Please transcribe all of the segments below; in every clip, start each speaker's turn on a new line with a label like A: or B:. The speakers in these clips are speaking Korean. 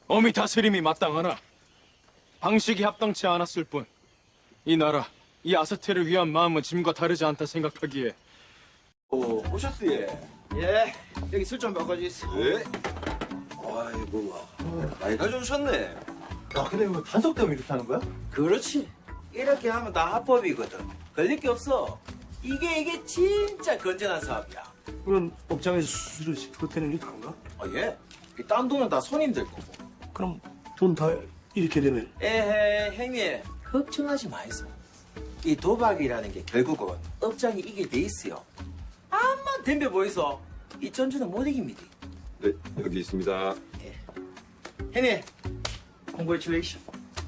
A: 어미 다스림이 마땅하나 방식이 합당치 않았을 뿐 이 나라, 이 아스테를 위한 마음은 짐과 다르지 않다 생각하기에.
B: 오셨어요?
C: 예, 여기 술 좀 바꿔주세요.
B: 예? 아이고, 많이 가져오셨네.
C: 아, 근데 이거 단속 때문에 이렇게 하는 거야?
D: 그렇지. 이렇게 하면 다 합법이거든. 걸릴 게 없어. 이게 진짜 건전한 사업이야.
C: 그럼 업장에서 수수료 10%는 이렇게 한가?
D: 예. 이 딴 돈은 다 손님들 거고.
C: 그럼 돈 다 이렇게 되면
D: 에헤, 형님. 걱정하지 마이소. 이 도박이라는 게 결국은 업장이 이길 돼 있어요. 암만 덤벼 보이소. 이 전주는 못 이깁니다.
B: 네, 여기 있습니다.
D: 형님, congratulation.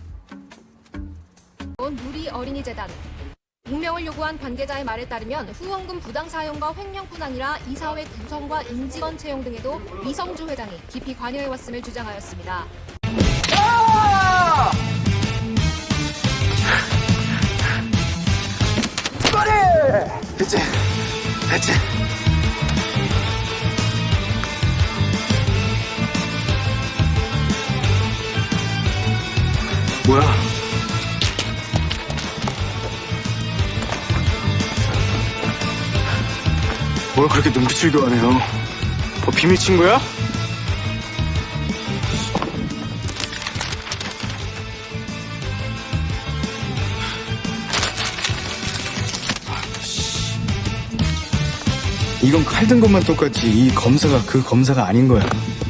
E: 누리 어린이재단 익명을 요구한 관계자의 말에 따르면 후원금 부당 사용과 횡령뿐 아니라 이사회 구성과 임직원 채용 등에도 이성주 회장이 깊이 관여해왔음을 주장하였습니다.
A: 됐지. 뭐야? 뭘 그렇게 눈빛을 교환해요? 뭐 비밀 친구야? 이건 칼 든 것만 똑같지 이 검사가 그 검사가 아닌 거야.